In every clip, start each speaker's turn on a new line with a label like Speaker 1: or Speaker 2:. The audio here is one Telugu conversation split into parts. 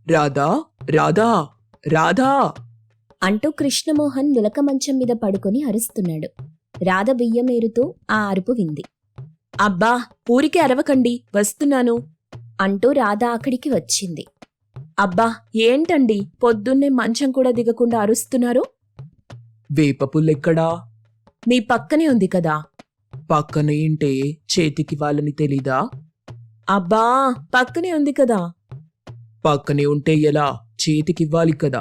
Speaker 1: రాధా, రాధా, రాధా
Speaker 2: అంటూ కృష్ణమోహన్ నులక మంచం మీద పడుకొని అరుస్తున్నాడు. రాధ బియ్యమేరుతూ ఆ అరుపు వింది.
Speaker 3: అబ్బా, ఊరికే అరవకండి, వస్తున్నాను
Speaker 2: అంటూ రాధ అక్కడికి వచ్చింది.
Speaker 3: అబ్బా, ఏంటండి పొద్దున్నే మంచం కూడా దిగకుండా అరుస్తున్నారు?
Speaker 1: వేపపుల్లెక్కడా?
Speaker 3: మీ పక్కనే ఉంది కదా.
Speaker 1: పక్కనే ఏంటే, చేతికి వాళ్ళని తెలీదా?
Speaker 3: అబ్బా, పక్కనే ఉంది కదా.
Speaker 1: పక్కనే ఉంటే ఎలా? చేతికివ్వాలి కదా.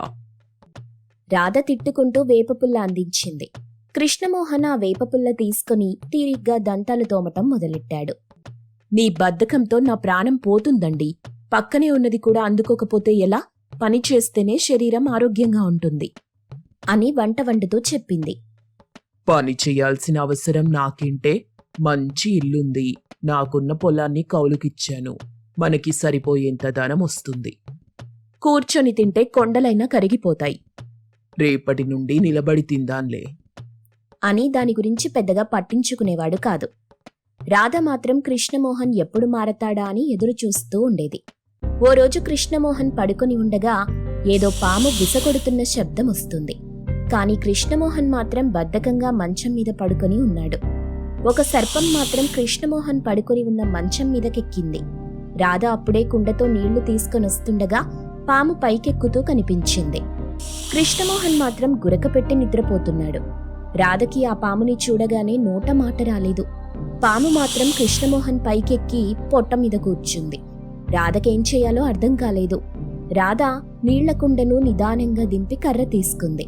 Speaker 2: రాధ తిట్టుకుంటూ వేపపుల్ల అందించింది. కృష్ణమోహన్ ఆ వేపపుల్ల తీసుకుని తీరిగ్గా దంతాలు తోమటం మొదలెట్టాడు.
Speaker 3: నీ బద్ధకంతో నా ప్రాణం పోతుందండి. పక్కనే ఉన్నది కూడా అందుకోకపోతే ఎలా? పని చేస్తేనే శరీరం ఆరోగ్యంగా ఉంటుంది
Speaker 2: అని వంట వండుతూ చెప్పింది.
Speaker 1: పని చెయ్యాల్సిన అవసరం నాకేంటే? మంచి ఇల్లుంది, నాకున్న పొలాన్ని కౌలుకిచ్చాను. మనకి సరిపోయేంత ధనం వస్తుంది.
Speaker 3: కూర్చొని తింటే కొండలైనా కరిగిపోతాయి.
Speaker 1: రేపటి నుండి నిలబడి తిందాన్లే
Speaker 2: అని దాని గురించి పెద్దగా పట్టించుకునేవాడు కాదు. రాధ మాత్రం కృష్ణమోహన్ ఎప్పుడు మారతాడా అని ఎదురు చూస్తూ ఉండేది. ఓ రోజు కృష్ణమోహన్ పడుకొని ఉండగా ఏదో పాము విసకొడుతున్న శబ్దం వస్తుంది. కాని కృష్ణమోహన్ మాత్రం బద్ధకంగా మంచం మీద పడుకొని ఉన్నాడు. ఒక సర్పం మాత్రం కృష్ణమోహన్ పడుకొని ఉన్న మంచం మీదకెక్కింది. రాధ అప్పుడే కుండతో నీళ్లు తీసుకొనొస్తుండగా పాము పైకెక్కుతూ కనిపించింది. కృష్ణమోహన్ మాత్రం గురకపెట్టి నిద్రపోతున్నాడు. రాధకి ఆ పాముని చూడగానే నోట మాట రాలేదు. పాము మాత్రం కృష్ణమోహన్ పైకెక్కి పొట్ట మీద కూర్చుంది. రాధకేం చేయాలో అర్థం కాలేదు. రాధ నీళ్ల కుండను నిదానంగా దింపి కర్ర తీసుకుంది.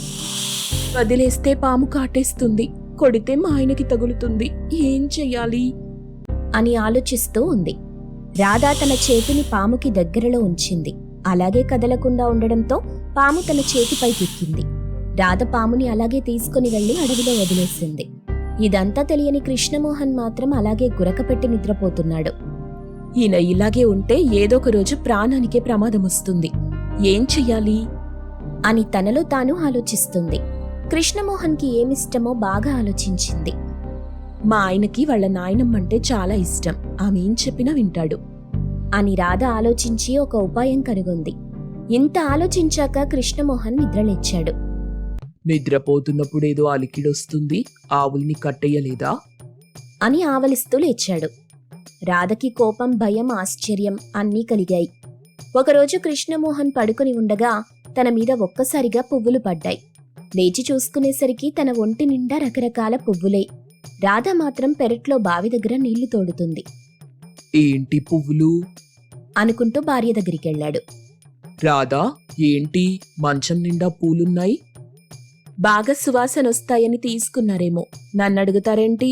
Speaker 3: వదిలేస్తే పాము కాటేస్తుంది, కొడితే మా ఆయనకి తగులుతుంది, ఏం చెయ్యాలి
Speaker 2: అని ఆలోచిస్తూ ఉంది. రాధ తన చేతిని పాముకి దగ్గరలో ఉంచింది. అలాగే కదలకుండా ఉండడంతో పాము తన చేతిపైకెక్కింది. రాధ పాముని అలాగే తీసుకుని వెళ్లి అడవిలో వదిలేసింది. ఇదంతా తెలియని కృష్ణమోహన్ మాత్రం అలాగే గురకపెట్టి నిద్రపోతున్నాడు.
Speaker 3: ఈయన ఇలాగే ఉంటే ఏదో ఒక రోజు ప్రాణానికే ప్రమాదం వస్తుంది, ఏం చెయ్యాలి
Speaker 2: అని తనలో తాను ఆలోచిస్తుంది. కృష్ణమోహన్కి ఏమిష్టమో బాగా ఆలోచించింది.
Speaker 3: మా ఆయనకి వాళ్ళ నాయనమ్మంటే చాలా ఇష్టం, ఆమె ఏం చెప్పినా వింటాడు
Speaker 2: అని రాధ ఆలోచించి ఒక ఉపాయం కనుగొంది. ఇంత ఆలోచించాక కృష్ణమోహన్ నిద్రలేచాడు.
Speaker 1: నిద్రపోతున్నప్పుడేదో అలికిడొస్తుంది, ఆవుల్ని కట్టెయ్యలేదా
Speaker 2: అని ఆవలిస్తూ లేచాడు. రాధకి కోపం, భయం, ఆశ్చర్యం అన్నీ కలిగాయి. ఒకరోజు కృష్ణమోహన్ పడుకుని ఉండగా తన మీద ఒక్కసారిగా పువ్వులు పడ్డాయి. లేచి చూసుకునేసరికి తన ఒంటి నిండా రకరకాల పువ్వులే. రాధ మాత్రం పెరట్లో బావి దగ్గర నీళ్లు తోడుతుంది.
Speaker 1: ఏంటి పువ్వులు
Speaker 2: అనుకుంటూ భార్య దగ్గరికెళ్లాడు.
Speaker 1: రాధా, ఏంటి మంచం నిండా పూలున్నాయి?
Speaker 3: బాగా సువాసనొస్తాయని తీసుకున్నారేమో, నన్నడుగుతారేంటి?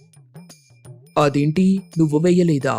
Speaker 1: అదేంటి, నువ్వు వెయ్యలేదా?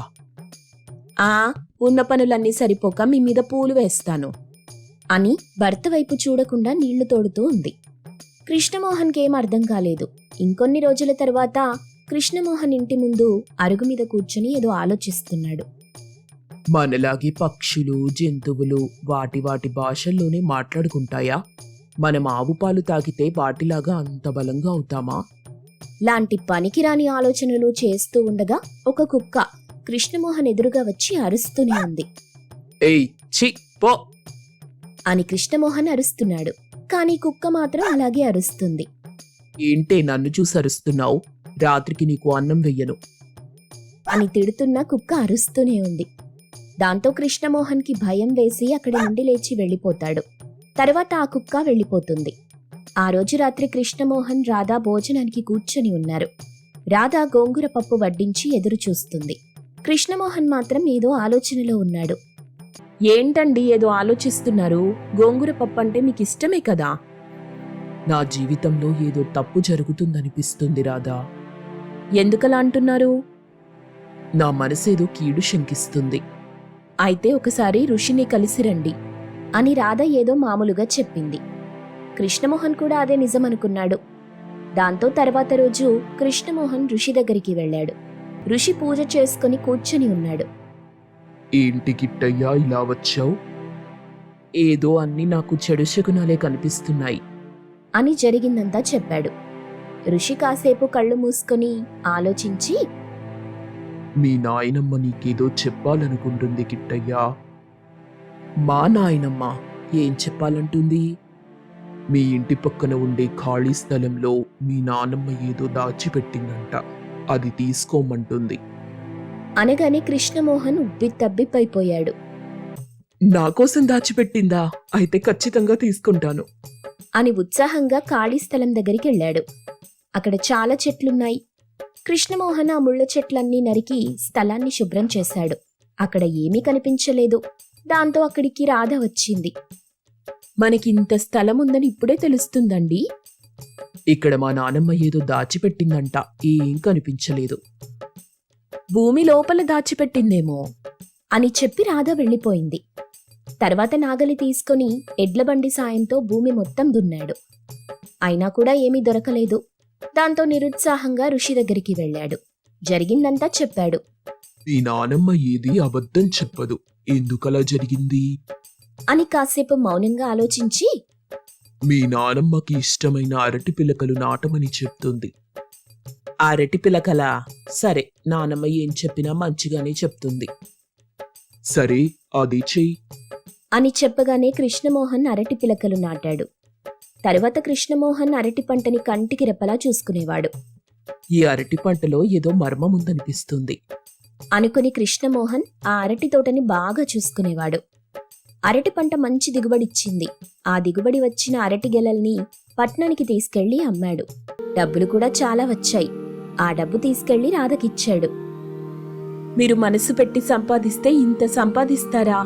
Speaker 3: ఉన్న పనులన్నీ సరిపోక మీ మీద పూలు వేస్తాను
Speaker 2: అని భర్త వైపు చూడకుండా నీళ్లు తోడుతూ ఉంది. కృష్ణమోహన్కేం అర్థం కాలేదు. ఇంకొన్ని రోజుల తర్వాత కృష్ణమోహన్ ఇంటి ముందు అరుగు మీద కూర్చుని ఏదో ఆలోచిస్తున్నాడు.
Speaker 1: మనలాగే పక్షులు, జంతువులు వాటి భాషల్లోనే మాట్లాడుకుంటాయా? మనం ఆవు పాలు తాగితే వాటిలాగా అంత బలంగా అవుతామా?
Speaker 2: లాంటి పనికిరాని ఆలోచనలు చేస్తూ ఉండగా ఒక కుక్క కృష్ణమోహన్ ఎదురుగా వచ్చి అరుస్తూనే ఉంది.
Speaker 1: ఏయ్, ఛీ, పో
Speaker 2: అని కృష్ణమోహన్ అరుస్తున్నాడు. కానీ కుక్క మాత్రం అలాగే అరుస్తుంది.
Speaker 1: ఏంటే నన్ను చూసి అరుస్తున్నావు? రాత్రికి నీకు అన్నం వెయ్యను
Speaker 2: అని తిడుతున్న కుక్క అరుస్తూనే ఉంది. దాంతో కృష్ణమోహన్కి భయం వేసి అక్కడి నుండి లేచి వెళ్ళిపోతాడు. తర్వాత ఆ కుక్క వెళ్ళిపోతుంది. ఆ రోజు రాత్రి కృష్ణమోహన్, రాధ భోజనానికి కూర్చొని ఉన్నారు. రాధ గోంగూర పప్పు వడ్డించి ఎదురు చూస్తుంది. కృష్ణమోహన్ మాత్రం ఏదో ఆలోచనలో ఉన్నాడు.
Speaker 3: ఏంటండి ఏదో ఆలోచిస్తున్నారు? గోంగూర పప్పు అంటే మీకు ఇష్టమే కదా.
Speaker 1: నా జీవితంలో ఏదో తప్పు జరుగుతుందనిపిస్తుంది రాధా.
Speaker 3: ఎందుకలా అంటున్నారు?
Speaker 1: నా మనసేదో కీడు శంకిస్తుంది.
Speaker 3: అయితే ఒకసారి ఋషిని కలిసి రండి
Speaker 2: అని రాధ ఏదో మామూలుగా చెప్పింది. కృష్ణమోహన్ కూడా అదే నిజమనుకున్నాడు. దాంతో తర్వాత రోజు కృష్ణమోహన్ ఋషి దగ్గరికి వెళ్ళాడు. ఋషి పూజ చేసుకుని కూర్చొని ఉన్నాడు.
Speaker 1: ఏంటి కిట్టయ్యా ఇలా వచ్చావు?
Speaker 3: ఏదో అన్ని నాకు చెడు శకునాలే కనిపిస్తున్నాయి
Speaker 2: అని జరిగిందంతా చెప్పాడు. ఋషి కాసేపు కళ్ళు మూసుకొని ఆలోచించి,
Speaker 1: మీ నాయనమ్మ నీకేదో చెప్పాలనుకుంటుంది కిట్టయ్యా. మా నాయనమ్మ ఏం చెప్పాలంటుంది? మీ ఇంటి పక్కన ఉండే ఖాళీ స్థలంలో మీ నానమ్మ ఏదో దాచిపెట్టిందంట. అది తీసుకోమంటుంది.
Speaker 2: అనగానే కృష్ణమోహన్ ఉబ్బితబ్బిబ్బైపోయాడు.
Speaker 1: నా కోసం దాచిపెట్టిందా? అయితే ఖచ్చితంగా తీసుకుంటాను.
Speaker 2: అని ఉత్సాహంగా ఖాళీ స్థలం దగ్గరికి వెళ్ళాడు. అక్కడ చాలా చెట్లున్నాయి. కృష్ణమోహన్ ఆ ముళ్ళ చెట్లన్నీ నరికి స్థలాన్ని శుభ్రం చేశాడు. అక్కడ ఏమీ కనిపించలేదు. దాంతో అక్కడికి రాధ వచ్చింది.
Speaker 3: మనకింత స్థలం ఉందని ఇప్పుడే తెలుస్తుందండి.
Speaker 1: ఇక్కడ మా నానమ్మ ఏదో దాచిపెట్టిందంట. ఏం కనిపించలేదు.
Speaker 3: భూమి లోపల దాచిపెట్టిందేమో.
Speaker 2: అని చెప్పి రాధ వెళ్ళిపోయింది. తర్వాత నాగలి తీసుకొని ఎడ్లబండి సాయంతో భూమి మొత్తం దున్నాడు. అయినా కూడా ఏమీ దొరకలేదు. దాంతో నిరుత్సాహంగా ఋషి దగ్గరికి వెళ్ళాడు. జరిగిందంతా చెప్పాడు.
Speaker 1: మీ నానమ్మ ఏది అబద్ధం చెప్పదు. ఎందుకలా జరిగింది?
Speaker 2: అని కాసేపు మౌనంగా ఆలోచించి,
Speaker 1: మీ నానమ్మకి ఇష్టమైన అరటి పిలకలు నాటమని చెప్తుంది.
Speaker 3: అరటి పిలకలా? సరే, నానమ్మ ఏం చెప్పినా మంచిగానే చెప్తుంది.
Speaker 1: సరే, అది చెయ్యి.
Speaker 2: అని చెప్పగానే కృష్ణమోహన్ అరటి పిలకలు నాటాడు. తరువాత కృష్ణమోహన్ అరటి పంటని కంటికి రెప్పలా చూసుకునేవాడు.
Speaker 1: ఈ అరటి పంటలో ఏదో మర్మం ఉందనిపిస్తుంది
Speaker 2: అనుకుని కృష్ణమోహన్ ఆ అరటి తోటని బాగా చూసుకునేవాడు. అరటి పంట మంచి దిగుబడిచ్చింది. ఆ దిగుబడి వచ్చిన అరటి గెలల్ని పట్నానికి తీసుకెళ్లి అమ్మాడు. డబ్బులు కూడా చాలా వచ్చాయి. ఆ డబ్బు తీసుకెళ్లి రాధకిచ్చాడు.
Speaker 3: మీరు మనసు పెట్టి సంపాదిస్తే ఇంత సంపాదిస్తారా?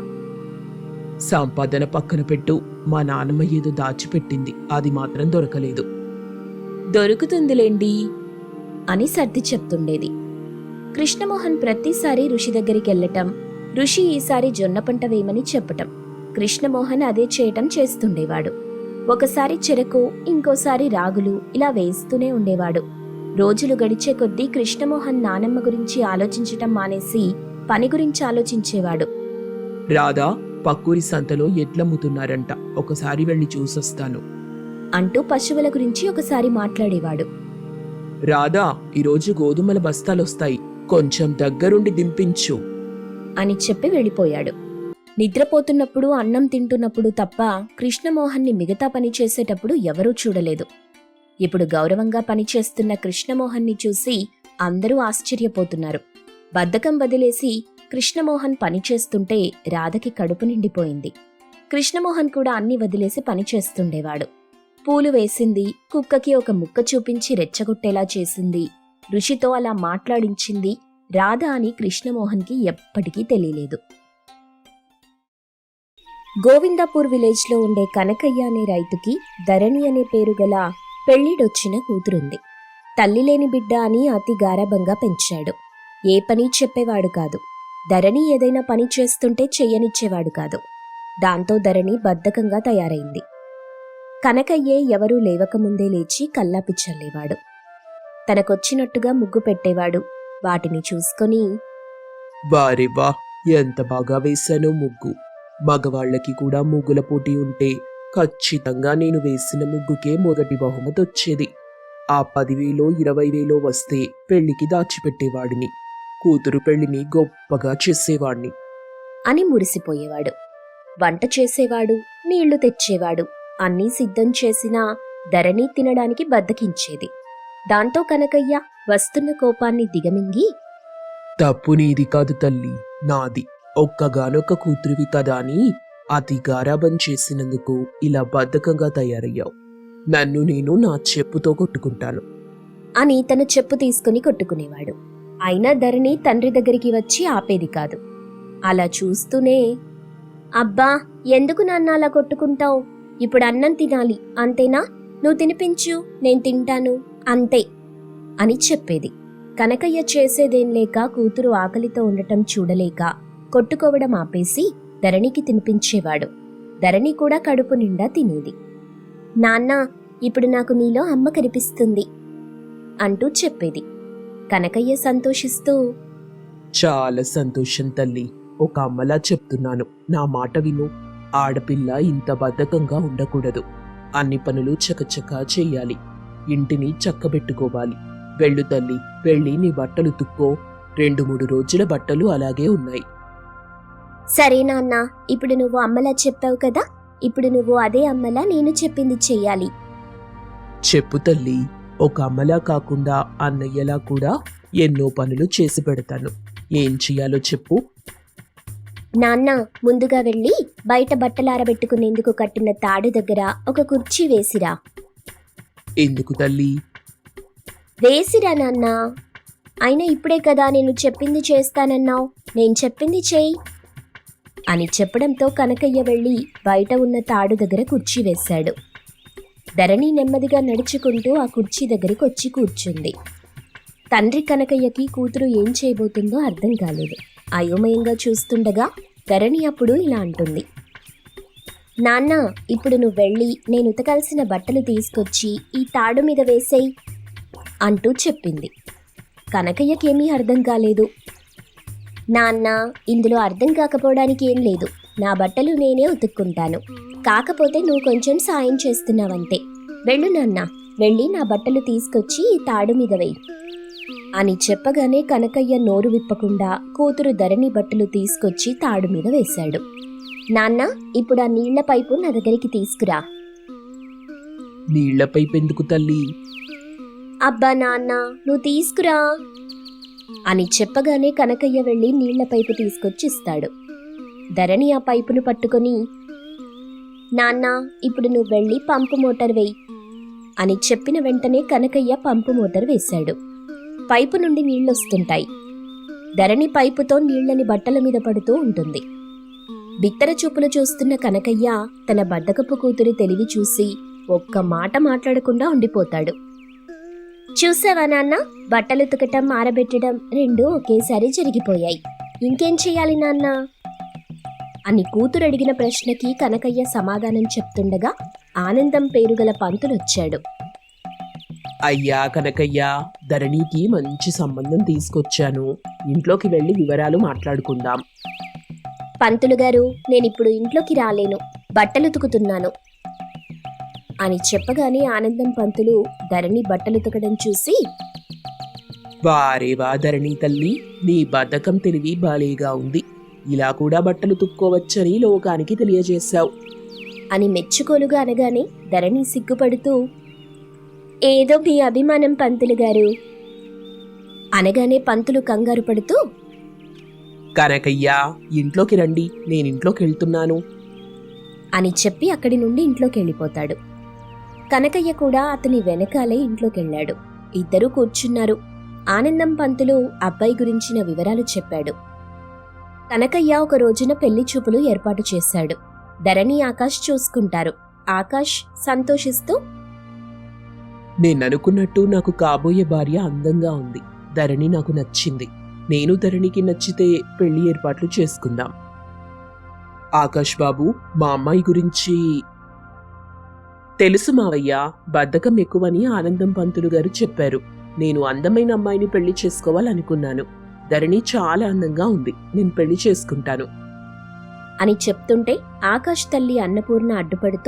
Speaker 1: సంపాదన పక్కన పెట్టు. మా నానమ్మ ఏదో దాచిపెట్టింది. అది మాత్రం దొరకలేదు.
Speaker 3: దొరుకుతుందిలేండి
Speaker 2: అని సర్ది చెప్తుండేది. కృష్ణమోహన్ ప్రతిసారి ఋషి దగ్గరికి వెళ్ళటం, ఋషి ఈసారి జొన్న పంట వేయమని చెప్పటం, కృష్ణమోహన్ అదే చేయటం చేస్తుండేవాడు. ఒకసారి చెరకు, ఇంకోసారి రాగులు ఇలా వేస్తూనే ఉండేవాడు. రోజులు గడిచే కొద్దీ కృష్ణమోహన్ నానమ్మ గురించి ఆలోచించటం మానేసి పని గురించి ఆలోచించేవాడు.
Speaker 1: రాధా, పక్కూరి సంతలో ఎడ్లమ్ముతున్నారంట. ఒకసారి వెళ్ళి చూసొస్తాను
Speaker 2: అంటూ పశువుల గురించి ఒకసారి మాట్లాడేవాడు.
Speaker 1: రాధా, ఈరోజు గోధుమల బస్తాలొస్తాయి. కొంచెం దగ్గరుండి దింపించు
Speaker 2: అని చెప్పి వెళ్ళిపోయాడు. నిద్రపోతున్నప్పుడు, అన్నం తింటున్నప్పుడు తప్ప కృష్ణమోహన్ని మిగతా పని చేసేటప్పుడు ఎవరూ చూడలేదు. ఇప్పుడు గౌరవంగా పనిచేస్తున్న కృష్ణమోహన్ని చూసి అందరూ ఆశ్చర్యపోతున్నారు. బద్ధకం వదిలేసి కృష్ణమోహన్ పనిచేస్తుంటే రాధకి కడుపు నిండిపోయింది. కృష్ణమోహన్ కూడా అన్ని వదిలేసి పనిచేస్తుండేవాడు. పూలు వేసింది, కుక్కకి ఒక ముక్క చూపించి రెచ్చగొట్టేలా చేసింది, ఋషితో అలా మాట్లాడించింది రాధ అని కృష్ణమోహన్కి ఎప్పటికీ తెలియలేదు. గోవిందాపూర్ విలేజ్లో ఉండే కనకయ్య అనే రైతుకి ధరణి అనే పేరు గల పెళ్లిడొచ్చిన కూతురుంది. తల్లి లేని బిడ్డ అని అతి గారాబంగా పెంచాడు. ఏ పని చెప్పేవాడు కాదు. ధరణి ఏదైనా పని చేస్తుంటే చెయ్యనిచ్చేవాడు కాదు. దాంతో ధరణి బద్ధకంగా తయారైంది. కనకయ్యే ఎవరూ లేవకముందే లేచి కల్లాపి చల్లేవాడు. తనకొచ్చినట్టుగా ముగ్గు పెట్టేవాడు. వాటిని చూసుకొని,
Speaker 1: వారే వా, ఎంత బాగా వేశానో ముగ్గు. మగవాళ్లకి కూడా ముగ్గుల పోటీ ఉంటే ఖచ్చితంగా నేను వేసిన ముగ్గుకే మొదటి బహుమతి వచ్చేది. ఆ 10,000 20,000 వస్తే పెళ్లికి దాచిపెట్టేవాడిని. కూతురు పెళ్లిని గొప్పగా చేసేవాణ్ణి
Speaker 2: అని మురిసిపోయేవాడు. వంట చేసేవాడు, నీళ్లు తెచ్చేవాడు. అన్నీ సిద్ధం చేసినా ధరణి తినడానికి బద్దకించేది. దాంతో కనకయ్య వస్తున్న కోపాన్ని దిగమింగి,
Speaker 1: తప్పు నీది కాదు తల్లి, నాది. ఒక్కగానొక్క కూతురివి కదా అని అతి గారాబం చేసినందుకు ఇలా బద్ధకంగా తయారయ్యావు. నన్ను నేను నా చెప్పుతో కొట్టుకుంటాను
Speaker 2: అని తన చెప్పు తీసుకుని కొట్టుకునేవాడు. అయినా ధరణి తండ్రి దగ్గరికి వచ్చి ఆపేది కాదు. అలా చూస్తూనే, అబ్బా, ఎందుకు నాన్న అలా కొట్టుకుంటావు? ఇప్పుడు అన్నం తినాలి, అంతేనా? నువ్వు తినిపించు, నేను తింటాను, అంతే అని చెప్పేది. కనకయ్య చేసేదేం లేక కూతురు ఆకలితో ఉండటం చూడలేక కొట్టుకోవడం ఆపేసి ధరణికి తినిపించేవాడు. ధరణి కూడా కడుపు నిండా తినేది. నాన్న, ఇప్పుడు నాకు నీలో అమ్మ కనిపిస్తుంది అంటూ చెప్పేది. కనకయ్య సంతోషిస్తూ,
Speaker 1: చాలా సంతోషం తల్లి. ఒక అమ్మలా చెప్తున్నాను, నా మాట విను. ఆడపిల్ల ఇంత బద్ధకంగా ఉండకూడదు. అన్ని పనులు చకచకా చెయ్యాలి. ఇంటిని చక్కబెట్టుకోవాలి. వెళ్ళు తల్లి, వెళ్ళి నీ బట్టలు తుక్కో. 2-3 రోజుల బట్టలు అలాగే ఉన్నాయి.
Speaker 2: సరే నాన్న, ఇప్పుడు నువ్వు అమ్మలా చెప్పావు కదా, ఇప్పుడు నువ్వు అదే అమ్మలా నేను చెప్పింది చెయ్యాలి.
Speaker 1: చెప్పు తల్లి. ఒక అమ్మలా కాకుండా అన్నయ్యలా కూడా ఎన్నో పనులు చేసి పెడతాను. ఏం చెయ్యాలో చెప్పు.
Speaker 2: నాన్న, ముందుగా వెళ్ళి బయట బట్టలారబెట్టుకునేందుకు కట్టిన తాడు దగ్గర ఒక కుర్చీ వేసిరా.
Speaker 1: ఎందుకు తల్లి?
Speaker 2: వేసిరా నాన్న. అయినా ఇప్పుడే కదా నేను చెప్పింది చేస్తానన్నావు, నేను చెప్పింది చేయి అని చెప్పడంతో కనకయ్య వెళ్ళి బయట ఉన్న తాడు దగ్గర కుర్చీ వేశాడు. ధరణి నెమ్మదిగా నడుచుకుంటూ ఆ కుర్చీ దగ్గరికి వచ్చి కూర్చుంది. తండ్రి కనకయ్యకి కూతురు ఏం చేయబోతుందో అర్థం కాలేదు. అయోమయంగా చూస్తుండగా ధరణి అప్పుడు ఇలా అంటుంది. నాన్న, ఇప్పుడు నువ్వు వెళ్ళి నేను ఉతకాల్సిన బట్టలు తీసుకొచ్చి ఈ తాడు మీద వేసేయి అంటూ చెప్పింది. కనకయ్యకేమీ అర్థం కాలేదు. నాన్న, ఇందులో అర్థం కాకపోవడానికి ఏం లేదు. నా బట్టలు నేనే ఉతుక్కుంటాను. కాకపోతే నువ్వు కొంచెం సాయం చేస్తున్నావంతే. వెళ్ళు నాన్న, వెళ్ళి నా బట్టలు తీసుకొచ్చి ఈ తాడు మీద వేయి అని చెప్పగానే కనకయ్య నోరు విప్పకుండా కూతురు ధరణి బట్టలు తీసుకొచ్చి తాడు మీద వేశాడు. నాన్న, ఇప్పుడు ఆ నీళ్ల పైపు నా దగ్గరికి తీసుకురా.
Speaker 1: నీళ్ల పైపు ఎందుకు తల్లి?
Speaker 2: అబ్బా నాన్న, నువ్వు తీసుకురా అని చెప్పగానే కనకయ్య వెళ్ళి నీళ్ల పైపు తీసుకొచ్చి ఇస్తాడు. ధరణి ఆ పైపును పట్టుకొని, నాన్న, ఇప్పుడు నువ్వు వెళ్ళి పంపు మోటార్ వేయి అని చెప్పిన వెంటనే కనకయ్య పంపు మోటార్ వేశాడు. పైపు నుండి నీళ్లొస్తుంటాయి. ధరణి పైపుతో నీళ్లని బట్టల మీద పడుతూ ఉంటుంది. బిత్తర చూపులు చూస్తున్న కనకయ్య తన బద్దకపు కూతురి తెలివి చూసి ఒక్క మాట మాట్లాడకుండా ఉండిపోతాడు. చూసావా నాన్న, బట్టలు ఉతకటం ఆరబెట్టడం రెండూ ఒకేసారి జరిగిపోయాయి. ఇంకేం చెయ్యాలి నాన్న అని కూతురు అడిగిన ప్రశ్నకి కనకయ్య సమాధానం చెప్తుండగా ఆనందం పేరుగల పంతులొచ్చాడు.
Speaker 1: అయ్యా కనకయ్య, ధరణికి మంచి సంబంధం తీసుకొచ్చాను. ఇంట్లోకి వెళ్ళి వివరాలు మాట్లాడుకుందాం.
Speaker 2: పంతులు గారు, నేనిప్పుడు ఇంట్లోకి రాలేను, బట్టలు ఉతుకుతున్నాను అని చెప్పగానే ఆనందం పంతులు ధరణి బట్టలు ఉతకడం చూసి,
Speaker 1: వారేవా ధరణి తల్లి, నీ బద్ధకం తెలివి బాలేగా ఉంది. ఇలా కూడా బట్టలు తుక్కోవచ్చని లోకానికి తెలియజేశావు
Speaker 2: అని మెచ్చుకోలుగా అనగానే ధరణి సిగ్గుపడుతూ, ఏదో మీ అభిమానం పంతులు గారు అనగానే పంతులు కంగారు పడుతూ,
Speaker 1: కనకయ్య, ఇంట్లోకి రండి, నేనింట్లోకి వెళ్తున్నాను
Speaker 2: అని చెప్పి అక్కడి నుండి ఇంట్లోకి వెళ్ళిపోతాడు. కనకయ్య కూడా అతని వెనకాలే ఇంట్లోకెళ్ళాడు. ఇద్దరూ కూర్చున్నారు. ఆనందం పంతులు అబ్బాయి గురించిన వివరాలు చెప్పాడు. కనకయ్య ఒక రోజున పెళ్లి చూపులు ఏర్పాటు చేశాడు. ధరణి, ఆకాష్ చూసుకుంటారు. ఆకాష్ సంతోషిస్తూ,
Speaker 1: నేననుకున్నట్టు నాకు కాబోయే భార్య అందంగా ఉంది. ధరణి నాకు నచ్చింది. నేను ధరణికి నచ్చితే పెళ్లి ఏర్పాట్లు చేసుకుందాం. ఆకాష్ బాబు, మా అమ్మాయి గురించి తెలుసు మావయ్య. బద్ధకం ఎక్కువని ఆనందం పంతులు గారు చెప్పారు. నేను అందమైన అమ్మాయిని పెళ్లి చేసుకోవాలనుకున్నాను. ధరణి చాలా అందంగా ఉంది. నేను పెళ్లి చేసుకుంటాను
Speaker 2: అని చెప్తుంటే ఆకాష్ తల్లి అన్నపూర్ణ అడ్డుపడుతూ,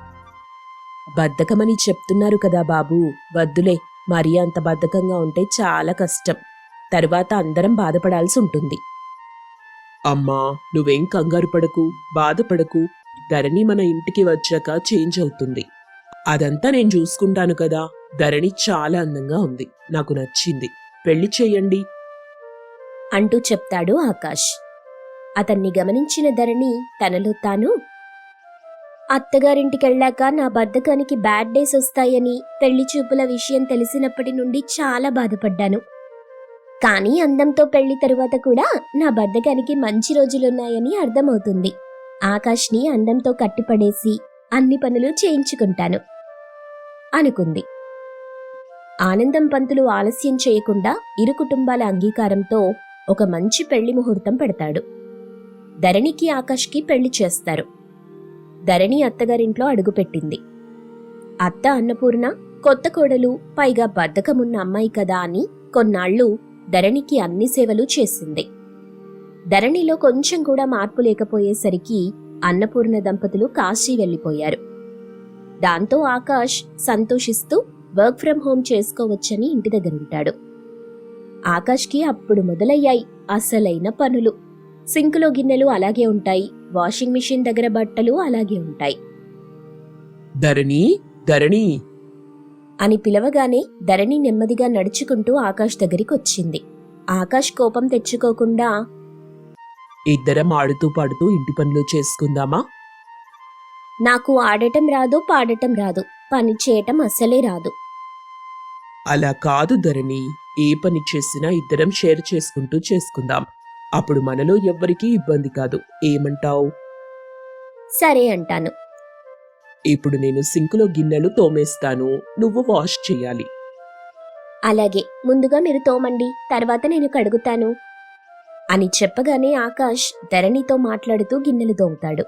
Speaker 3: బద్ధకమని చెప్తున్నారు కదా బాబు, వద్దులే. మరీ అంత బద్ధకంగా ఉంటే చాలా కష్టం. తరువాత అందరం బాధపడాల్సి ఉంటుంది.
Speaker 1: అమ్మా, నువ్వేం కంగారు పడకు, బాధపడకు. ధరణి మన ఇంటికి వచ్చాక చేంజ్ అవుతుంది. అదంతా నేను చూసుకుంటాను కదా. ధరణి చాలా అందంగా ఉంది. నాకు నచ్చింది. పెళ్లి చేయండి
Speaker 2: అంటూ చెప్తాడు ఆకాష్. అతన్ని గమనించిన ధరణి తనలో తాను, అత్తగారింటికెళ్ళాక నా బద్ధకానికి బ్యాడ్ డేస్ వస్తాయని పెళ్లి చూపుల విషయం తెలిసినప్పటి నుండి చాలా బాధపడ్డాను. కానీ అందంతో పెళ్లి తరువాత కూడా నా బద్ధకానికి మంచి రోజులున్నాయని అర్థమవుతుంది. ఆకాష్ని అందంతో కట్టిపడేసి అన్ని పనులు చేయించుకుంటాను అనుకుంది. ఆనందం పంతులు ఆలస్యం చేయకుండా ఇరు కుటుంబాల అంగీకారంతో ఒక మంచి పెళ్లి ముహూర్తం పెడతాడు. ధరణికి ఆకాష్కి పెళ్లి చేస్తారు. ధరణి అత్తగారింట్లో అడుగుపెట్టింది. అత్త అన్నపూర్ణ కొత్త కోడలు, పైగా బద్ధకమున్న అమ్మాయి కదా అని కొన్నాళ్లు ధరణికి అన్ని సేవలు చేసింది. ధరణిలో కొంచెం కూడా మార్పు లేకపోయేసరికి అన్నపూర్ణ దంపతులు కాశీ వెళ్లిపోయారు. దాంతో ఆకాష్ సంతోషిస్తూ వర్క్ ఫ్రం హోం చేసుకోవచ్చని ఇంటి దగ్గరుంటాడు. ఆకాష్కి అప్పుడు మొదలయ్యాయి అసలైన పనులు. సింకులో గిన్నెలు అలాగే ఉంటాయి, వాషింగ్ మిషన్ దగ్గర బట్టలు అలాగే ఉంటాయి.
Speaker 1: ధరణి, ధరణి.
Speaker 2: అని పిలవగానే ధరణి నెమ్మదిగా నడుచుకుంటూ ఆకాష్ దగ్గరికి వచ్చింది. ఆకాష్ కోపం తెచ్చుకోకుండా,
Speaker 1: ఇద్దరం ఆడుతూ పాడుతూ ఇంటి పనులు చేసుకుందామా?
Speaker 2: నాకు ఆడటం రాదు, పాడటం రాదు, పని చేయటం అస్సలే రాదు.
Speaker 1: అలా కాదు ధరణి, ఏ పని చేసినా ఇద్దరం షేర్ చేసుకుంటూ చేసుకుందాం. అప్పుడు మనలో ఎవ్వరికీ ఇబ్బంది కాదు. ఏమంటావ్?
Speaker 2: సరే అంటాను.
Speaker 1: ఇప్పుడు నేను సింకులో గిన్నెలు తోమేస్తాను, నువ్వు వాష్ చెయ్యాలి.
Speaker 2: అలాగే, ముందుగా మీరు తోమండి, తర్వాత నేను కడుగుతాను అని చెప్పగానే ఆకాష్ ధరణితో మాట్లాడుతూ గిన్నెలు తోముతాడు.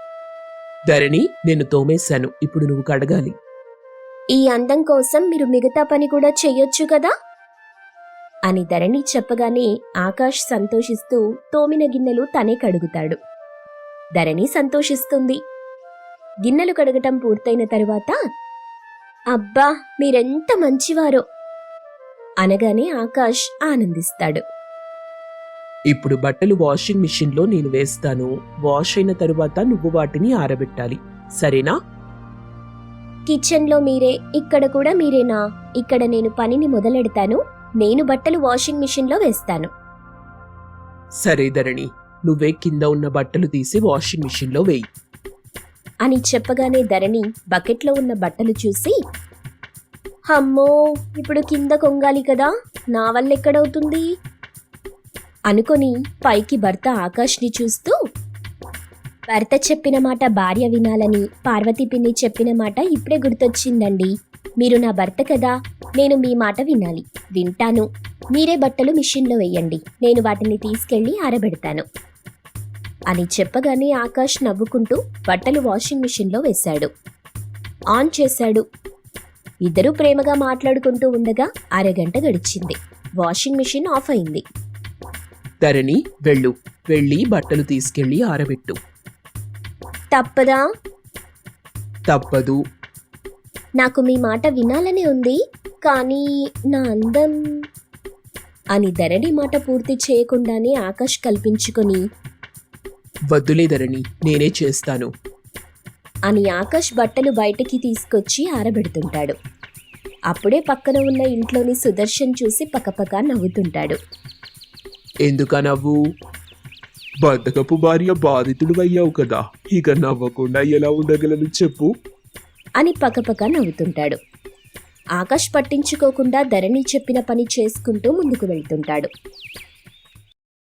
Speaker 1: ధరణి, నేను తోమేశాను, ఇప్పుడు నువ్వు కడగాలి.
Speaker 2: ఈ అందం కోసం మీరు మిగతా పని కూడా చెయ్యొచ్చు కదా అని ధరణి చెప్పగానే ఆకాష్ సంతోషిస్తూ తోమిన గిన్నెలు తనే కడుగుతాడు. ధరణి సంతోషిస్తుంది. గిన్నెలు కడగటం పూర్తయిన తరువాత, అబ్బా మీరెంత మంచివారో అనగానే ఆకాష్ ఆనందిస్తాడు.
Speaker 1: ఇప్పుడు బట్టలు వాషింగ్ మిషన్లో నేను వేస్తాను. వాష్ అయిన తరువాత నువ్వు వాటిని ఆరబెట్టాలి, సరేనా?
Speaker 2: కిచెన్లో మీరే, ఇక్కడ కూడా మీరేనా? ఇక్కడ నేను పనిని మొదలెడతాను, నేను బట్టలు వాషింగ్ మిషన్లో వేస్తాను.
Speaker 1: సరే ధరణి, నువ్వే కింద ఉన్న బట్టలు తీసి వాషింగ్ మిషన్లో వేయి
Speaker 2: అని చెప్పగానే ధరణి బకెట్లో ఉన్న బట్టలు చూసి, అమ్మో ఇప్పుడు కింద కొంగాలి కదా, నా వల్ల ఎక్కడవుతుంది అనుకొని పైకి భర్త ఆకాష్ని చూస్తూ, భర్త చెప్పిన మాట భార్య వినాలని పార్వతీ పిన్ని చెప్పిన మాట ఇప్పుడే గుర్తొచ్చిందండి. మీరు నా భర్త కదా, నేను మీ మాట వినాలి. వింటాను. మీరే బట్టలు మిషన్లో వేయండి, నేను వాటిని తీసుకెళ్లి ఆరబెడతాను అని చెప్పగానే ఆకాష్ నవ్వుకుంటూ బట్టలు వాషింగ్ మిషన్లో వేశాడు. ఆన్ చేశాడు. ఇద్దరూ ప్రేమగా మాట్లాడుకుంటూ ఉండగా అరగంట గడిచింది. వాషింగ్ మిషన్ ఆఫ్ అయింది.
Speaker 1: ధరణి, వెళ్ళి బట్టలు తీసుకెళ్లి ఆరబెట్టు.
Speaker 2: తప్పదా?
Speaker 1: తప్పదు.
Speaker 2: నాకు మీ మాట వినాలనే ఉంది, కానీ నా అందం అని ధరణి మాట పూర్తి చేయకుండానే ఆకాష్ కల్పించుకొని,
Speaker 1: వద్దులే ధరణి, నేనే చేస్తాను
Speaker 2: అని ఆకాష్ బట్టలు బయటికి తీసుకొచ్చి ఆరబెడుతుంటాడు. అప్పుడే పక్కన ఉన్న ఇంట్లోని సుదర్శన్ చూసి పకపక నవ్వుతుంటాడు.
Speaker 1: ఎందుకా నవ్వు? బద్ధకపు భార్య బాధితుడు అయ్యావు కదా, ఇక నవ్వకుండా ఎలా ఉండగలను చెప్పు
Speaker 2: అని పకపక నవ్వుతుంటాడు. ఆకాష్ పట్టించుకోకుండా ధరణి చెప్పిన పని చేసుకుంటూ ముందుకు వెళ్తుంటాడు.